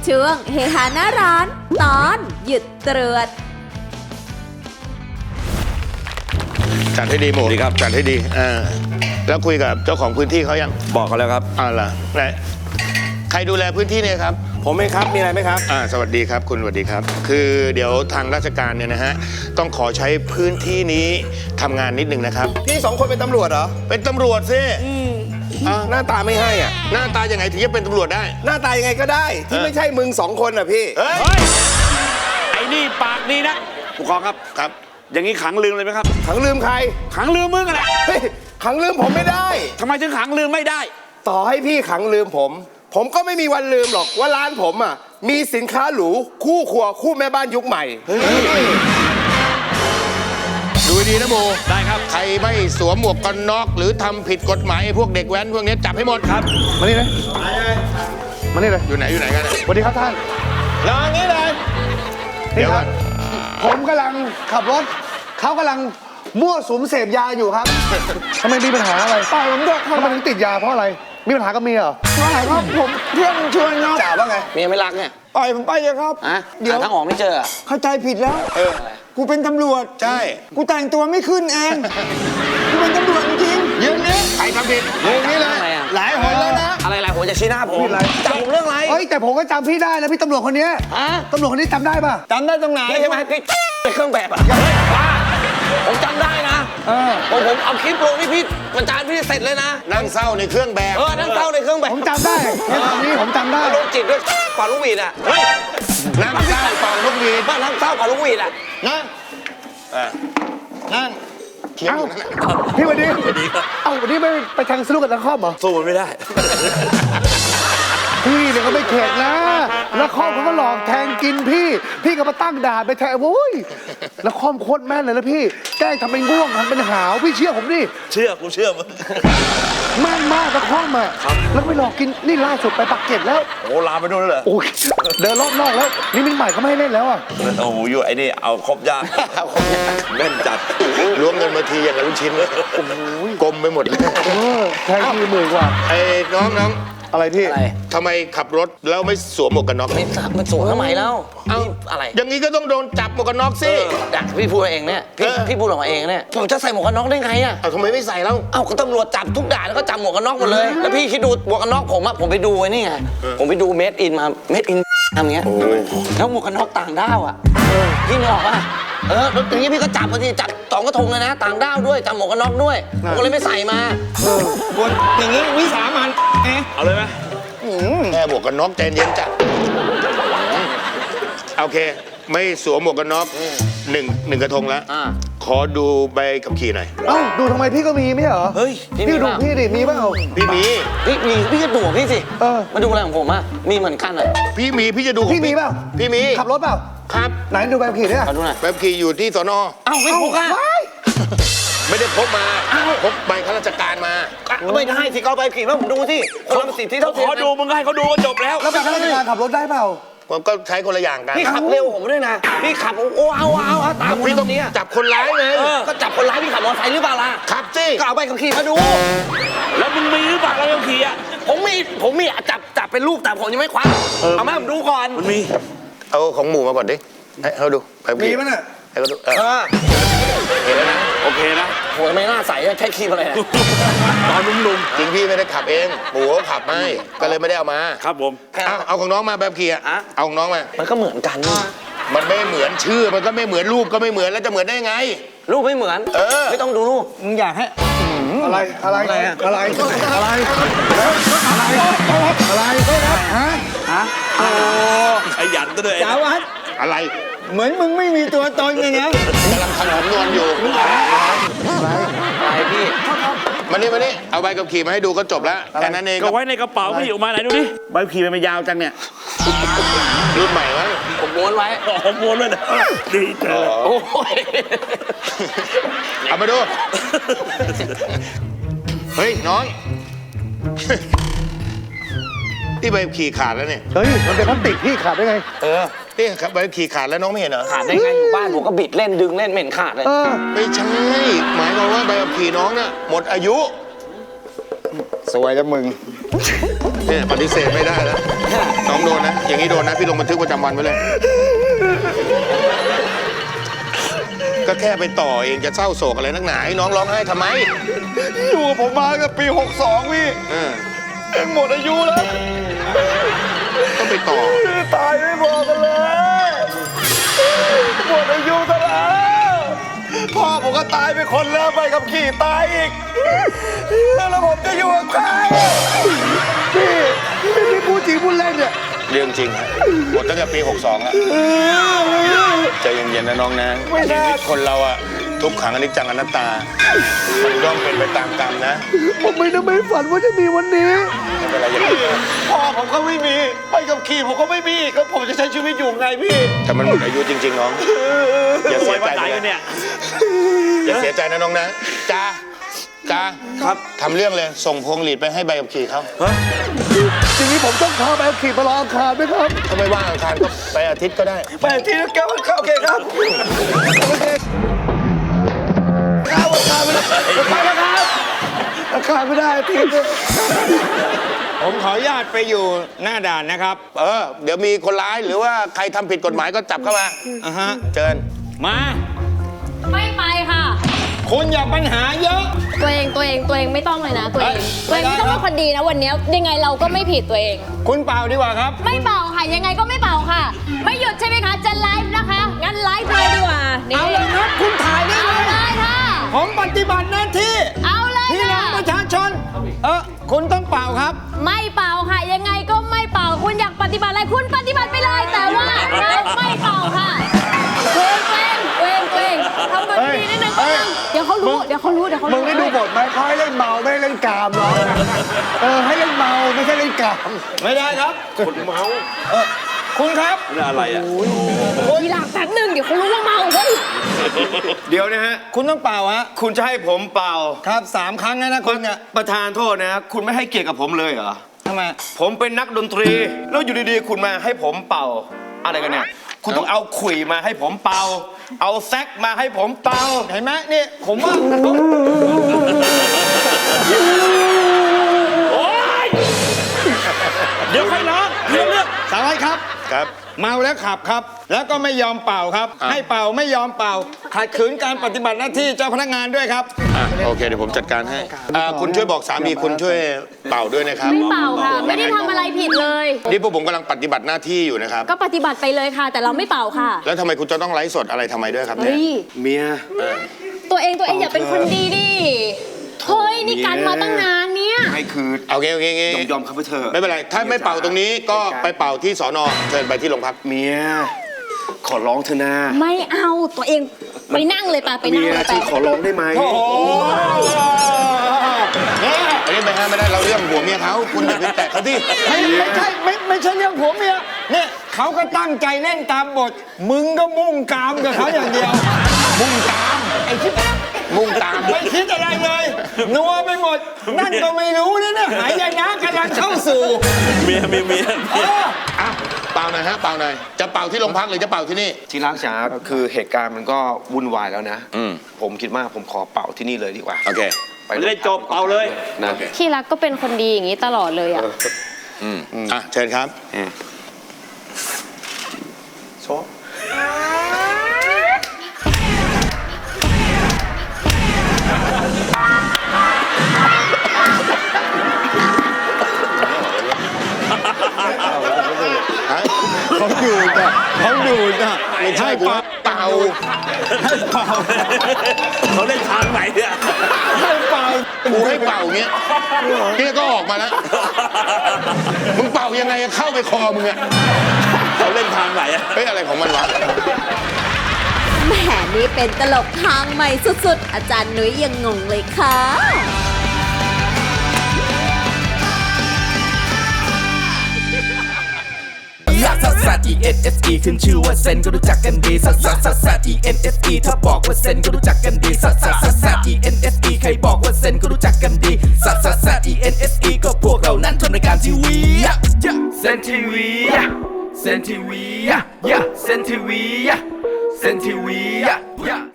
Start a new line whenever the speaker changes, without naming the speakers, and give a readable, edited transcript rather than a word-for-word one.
ช่วงเฮฮาหน้าร้านตอนหยุดตรวจ
จัดให้ดีหมูดีครับจัดให้ดีแล้วคุยกับเจ้าของพื้นที่เขายัง
บอกเขาแล้วครับ
ล่ะไหนใครดูแลพื้นที่เนี่ยครับ
ผมเองครับมีอะไรไหมครับ
สวัสดีครับคุณสวัสดีครับคือเดี๋ยวทางราชการเนี่ยนะฮะต้องขอใช้พื้นที่นี้ทำงานนิดนึงนะครับ
พี่2 คนเป็นตำรวจเหรอ
เป็นตำรวจสิ
หน้าตาไม่ให้อ่ะ
หน้าตายังไงถึงจะเป็นตำรวจได้
หน้าตายังไงก็ได้ที่ไม่ใช่มึง2 คนอ่ะพี่
เฮ้ย
ไอ้นี่ปากดีนะผู้กองครับ
ครับ
อย่างนี้ขังลืมเลยไหมครับ
ขังลืมใคร
ขังลืมมึงอะไร
ขังลืมผมไม่ได้
ทำไมถึงขังลืมไม่ได้
ต่อให้พี่ขังลืมผมก็ไม่มีวันลืมหรอกว่าร้านผมอ่ะมีสินค้าหรูคู่ครัวคู่แม่บ้านยุคใหม่
ดูดีนะโม
ได้ครับ
ใครไม่สวมหมวกกันน็อกหรือทำผิดกฎหมายพวกเด็กแว้นพวกนี้จับให้หมด
ครับ
มานี่เลยมานี่เลย
อยู่ไหนกัน
สวัสดีครับท่าน
รออย่างนี้เลยเดี๋ยว
ผมกำลังขับรถเขากำลังมั่วสุมเสพยาอยู่ครับทำไมมีปัญหาอะไรป้าผมด้วยทำไมถึงติดยาเพราะอะไรมีปัญหากับเมียเหรอไม่ครับผมเพื่อนชวนครับจ่าว่าไง
เมียไม่รักเนี่ย
ปล่อยผมไปเลยครับ
เดี๋ยวทางออกไม่เจอ
เข้าใจผิดแล้วกูเป็นตำรวจ
ใช่
กูแต่งตัวไม่ขึ้นเองกูเป็นตำรวจจริง
ยืนนี้ใครทำผิดยืนนี้เลย
หลายหนแล้วนะ
อะไรหลายหนจะชี้หน้าผมจับผมเรื่องอะไร
เฮ้ยแต่ผมก็จำพี่ได้นะพี่ตำรวจคนนี้ตำรวจคนนี้จำได้ป่ะจำได้ตรงไหน
ใช่ไหมพี่เป็นเครื่องแบบอ่ะผมจำได้นะผมเอาคลิปลงนี่พี่ประจานพี่เสร็จเลยนะ
นั่งเศร้าในเครื่องแบบ
นั่งเศร้าในเครื่องแบบ
ผมจำได้ตอนนี้ผมจำได้
โรคจิตด้วยเป่าลูกหวีดอ่ะ
นั่งเศร้าเป่าลูกหวีด
นั่งเศร้าเป่าลูกหวีดอ่ะ
นั่ง
เอ้าพี่วันนี้วันนี้ไม่ไปแทงสนุกกับนักคอมเหรอ
สู้ไม่ได้
พี่เนี่ยก็ไม่เข็ดนะนักคอมเขาก็หลอกแทงกินพี่ก็มาตั้งด่านไปแทงโว้ยนักคอมโคตรแม่นเลยนะพี่แกล้งทำเป็นง่วงทำเป็นหาวพี่เชื่อผมดิ
กูเชื่อมึง
แม่นมากนักคอมอ่ะแล้วไม่หลอกกินนี่ล่าสุดไปปักเกร็ดแล้ว
โอ้ลาไปนู่นแล้วเหรอ
โอ้ยเดินรอบนอกแล้วนี่มินใหม่เขาไม่ให้เล่นแล้วอ่ะ
โอ้โหอยู่ไอ้นี่เอาครบยากแม่นจัด
ล้วงเงินมาทีอย่างกับลูกชิ้นกลมไปหมดเลย
แทงที10,000 กว่า
ไอ้น้อง
อะไรพี่
ทำไมขับรถแล้วไม่สวมหมวกกันน็อก
ไม่สวมทำไมแล้วอะไร
อย่างนี้ก็ต้องโดนจับหมวกกันน็อกสิ
พี่พูดเองเนี่ยพี่พูดออกมาเองเนี่ยผมจะใส่หมวกกันน็อกได้ไงอ่ะ
ทำไมไม่ใส่แล้ว
ก็ตำรวจจับทุกด่านแล้วก็จับหมวกกันน็อกหมดเลยแล้วพี่คิดดูหมวกกันน็อกผมไปดูไว้นี่ไงผมไปดูเมดอินมาเมดอินทำเงี้ยแล้วหมวกกันน็อกต่างด้าวอ่ะพี่นึกออกป่ะอย่างนี้พี่ก็จับทีจับ2 กระทงเลยนะต่างด้าวด้วยจับหมวกกันน็อกด้วยผมก็เลยไม่ใส่มา
อย่างนี้วิสามัน
เอาเลยไหม
แค่หมวกกันน็อกใจเย็นจ้ะโอเคไม่สวมหมวกกันน็อกหนึ่งกระทงแล้วขอดูใบขับขี่หน่อย
ดูทำไมพี่ก็มีไม่เหรอ
เฮ้ย
พี่ดูพี่ดิมีเปล่า
พี่มี
พี่ก็ดูพี่สิมาดูอะไรของผมมีเหมือนกันอ่ะ
พี่จะดู
พี่มีเปล่า
พี่มี
ขับรถเปล่า
ครับ
ไหนดูใบขับขี่เนี่ย
ดูหน่อย
ใบขับขี่อยู่ที่สน.
ไม่พกอ่ะ
ไม่ได้พกมาพกใบข้าราชการมา
ไม่ได้สิเอาใบขี่มาผมดูสิคนละสิทธิเท่าเทียม
ขอดูมึงให้เขาดูก็จบแล้ว
แล้วใบข้าราชการขับรถได้เปล่า
ผมก็ใช้คนละอย่างกัน
พี่ขับเร็วผมด้วยนะพี่ขับเอาตาม
พี่ต้องจับคนร้ายไง
ก็จับคนร้ายพี่ขับมอเตอร์ไซค์หรือเปล่าล่ะ
ขับสิ
ก็เอาใบขับขี่มาดู
แล้วมึงมีหรือเปล่าใบขับขี่อ่ะ
ผมมีจับเป็นรูปแต่ผมยังไม่คว้าเอามาผมดูก่อน
มันมี
เอาของหมู่มาก่อนดิให้เขาดู
มีมั้ยน่ะ
ให้เขาดูเห็นแล้วนะ
โอเคนะ
โหไม่น่าใส่ใช้ครีมอะไรนะ
ตอนนุ่ม
ๆจริงพี่ไม่ได้ขับเองหมูเขาขับให้ก็เลยไม่ได้เอามา
ครับผม
เอาของน้องมาแบบขี่เอาของน้องมา
มันก็เหมือนกัน
มันไม่เหมือนชื่อมันก็ไม่เหมือนรูปก็ไม่เหมือนแล้วจะเหมือนได้ไง
รูปไม่เหมือนไม่ต้องดูรูป
มึงอยากให้อะไร
โอ้ขยันตัวเลย
สาวัตร
อะไร
เหมือนมึงไม่มีตัวตนไงเนี่ย
กำลังทำผมนอนอยู่
อะไรพี่
มานี่เอาใบขับขี่มาให้ดูก็จบแล้วแค่นั้นเอง
ก็ไว้ในกระเป๋าพี่ออกมาไหนดูดิใบขับขี่มันยาวจังเนี่ย
รุ่นใหม่มั้ง
ผมม้วนไว้
ผมม้วนเลยนะดีจัง
โอ้ย
เอามาดูเฮ้ยน้องที่ใบขี่ขาดแล้วเนี่ย
เฮ้ยมันเป็นพลาสติกพี่ขาดได้ไง
นี่ครับใบขี่ขาดแล้วน้องไม่เห็นเหรอ
ขาดได้ไงอยู่บ้านผมก็บิดเล่นดึงเล่นเหม็นขาดเลย
ไม่ใช่หมายความว่าใบขับขี่น้องน่ะหมดอายุ
สวยแล้วมึง
เนี่ยปฏิเสธไม่ได้แล้วน้องโดนนะ อย่างนี้โดนนะ พี่ลงบันทึกประจำวันไว้เลย ก็แค่ไปต่อเองจะเศร้าโศกอะไรนักหนาให้น้องร้องไห้ทำไม
อยู่กับผมมากับปี 62 พี่
เออ
เองหมดอายุแล้ว
ต้องไปต่อ
ตายไม่บอกกันเลยหมดอายุซะแล้วพ่อผมก็ตายไปคนแล้วไปกับขี่ตายอีกแล้วผมจะอยู่กับใครพี่ไม่ได้พูดจริงพูดเล่นเนี่ย
เรื่องจริงฮะหมดตั้งแต่ปี 62แล้วใจเย็นๆนะน้องนะชีวิตคนเราอะทุกขังอนิจจังอนัตตามันย่อมเป็นไปตามกรรมนะ
ผมไม่ได้ไม่ฝันว่าจะมีวันนี้
ไม่เป็นไรอย่างนี้
พ่อผมก็ไม่มีไปกับขี่ผมก็ไม่มีแล้วผมจะใช้ชีวิตอยู่ไงพี่
แต่มันหมดอายุจริงๆน้อง อย่าเสียใจไปนะอย่าเสียใจนะน้องนะจ้าครับทำเรื่องเลยส่งพวงหลีดไปให้ใบขับขี่เขา
ทีนี้ผมต้องพาไปขี่ไปรออังคารไหมครับ
ถ้าไม่ว่างอังคารก็ไปอาทิตย์ก็ได้
ไปที่แก้วโอเคครับโอเคข้าวอังคารไม่ได้ไปแล้วครับอังคารไม่ได้อาทิตย์
ผมขออนุญาตไปอยู่หน้าด่านนะครับ
เดี๋ยวมีคนร้ายหรือว่าใครทำผิดกฎหมายก็จับเข้ามา
อ่ะฮะ
เชิญ
มา
ไม่ไปค่ะ
คุณอย่าปัญหาเยอะ
ตัวเองไม่ต้องเลยนะ ตัวเองไม่ต้องเป็นคนดีนะวันนี้ยังไงเราก็ไม่ผิดตัวเอง
คุณเป่าดีกว่าครับ
ไม่เป่าค่ะ ยังไงก็ไม่เป่าค่ะ ไม่หยุดใช่ไหมคะ จะไลฟ์นะคะ งั้นไลฟ์เลยดีกว่านี่
เอาเลยครับ คุณถ่ายได้
เอา
เลย
เลยค่ะ
ผมปฏิบัติหน้าที่
เอาเลย
พี่น้อง
ค่ะ
ประชาชน คุณต้องเป่าครับ
ไม่เป่าค่ะ ยังไงก็ไม่เป่า คุณอยากปฏิบัติอะไรคุณปฏิบัติไปเลย แต่ว่าเราไม่เป่าค่ะตัวเองทำแบบนี้นิดนึงเดี๋ยวเขารู้
มึงได้ดูบทไหมเขาให้เล่นเมาไม่ให้เล่นกามหรอให้เล่นเมาไม่ใช่เล่นกาม
ไม่ได้ครับคุณเมาคุณครับ
นี่อะไรอ่ะ
ทีหลังแป๊บนึงเดี๋ยวเขารู้ว่าเมาเฮ้ย
เดี๋ยวนะฮะ
คุณต้องเป่าฮะ
คุณจะให้ผมเป่า
ครับ3 ครั้งนะคุณเนี่ย
ประธานโทษนะ คุณไม่ให้เกียรติกับผมเลยเหรอ
ทำไม
ผมเป็นนักดนตรี แล้วอยู่ดีๆ คุณมาให้ผมเป่า อะไรกันเนี่ย คุณต้องเอาขลุ่ยมาให้ผมเป่า เอาแซกมาให้ผมเป่า
เห็นไหมนี่ผมว่า เดี๋ยวค่อยร้องเรื่องสารวัตรครับ
ครับ
เมาแล้วขับครับ แล้วก็ไม่ยอมเป่าครับ
อ่ะ
ให้เป่าไม่ยอมเป่าขัดขืนการปฏิบัติหน้าที่เจ้าพนักงานด้วยครับ
โอเคเดี๋ยวผมจัดการให้คุณช่วยบอกสามีคุณช่วยเป่าด้วยนะครับ
ไม่เป่าค่ะ ไม่ได้ทำอะไรผิดเลย
นี่พวกผมกำลังปฏิบัติหน้าที่อยู่นะครับ
ก็ปฏิบัติไปเลยค่ะ แต่เราไม่เป่าค่ะ
แล้วทำไมคุณจะต้องไลฟ์สดอะไรทำไมด้วยครับเนี่ย
เฮ้ย
เมีย
ตัวเองอย่าเป็นคนดีดิเฮ้ยนี่กันมาตั้งนานเนี่ย
ให้คือ
เอางี้
ยอมครับเธอ
ไม่เป็นไร ถ้าไม่เป่าตรงนี้ก็ไปเป่าที่สอนอเชิญไปที่โรงพัก
เมีย ขอร้องเธอนะ
ไม่เอาตัวเองไปนั่งเลยป่ะไปนั่
เมี
ง
ย
เลยไป
ที่ขอร้องได้ไหม
อันนี้ไม่ห้ามไม่ได้เราเรื่องหัวเมียเขาคุณอย่าไปแตะเขาที่
ไม่ใช่เรื่องผัวเมียเนี่ยเขาก็ตั้งใจเล่นตามบท มึงก็มุ่งกามกับเขาอย่างเดียว
มุ่งตามไอ้ที่มุ่งตาม
ไม่คิดอะไรเลย นัวไปหมด นั่นก็ไม่รู้นะเนี่ยหายนะกำลังเข้าสู่
เมีย
เออ
อ่ะเป่าหน่อยฮะเป่าหน่อยจะเป่าที่โรงพักหรือจะเป่าที่นี่
ที่รักจ๋าคือเหตุการณ์มันก็วุ่นวายแล้วนะ ผมคิดว่าผมขอเป่าที่นี่เลยดีกว่า
โอเค
ไป
ไม่ได้จบเป่าเลย
นะ
ที่รักก็เป็นคนดีอย่างนี้ตลอดเลยอ่ะ
อ่ะเชิญครับ
โช
เขาดูดอ่ะ
ไม่ใช่กูเป่า
เขาเล่นทางไหนเนี่ย
กูให้เป่าเงี้ยเนี่ยก็ออกมาแล้ว มึงเป่ายังไงเข้าไปคอมึงอะ
เขาเล่นทางไหนอะ
เฮ้ยอะไรของมันวะ
แหมนี่เป็นตลกทางใหม่สุดๆ อาจารย์นุ้ยยังงงเลยค่ะ
ซัสซัส E N S E ขึ้นชื่อว่าเซนก็รู้จักกันดีซัสซัสซัสซัส E N S E ถ้าบอกว่าเซนก็รู้จักกันดีซัสซัสซัสซัส E N S E ใครบอกว่าเซนก็รู้จักกันดีซัสซัสซัส E N S E ก็พวกเรานั้นทำรายการทีวีเซนทีวีเซนทีวีเซนทีวีเซนทีวี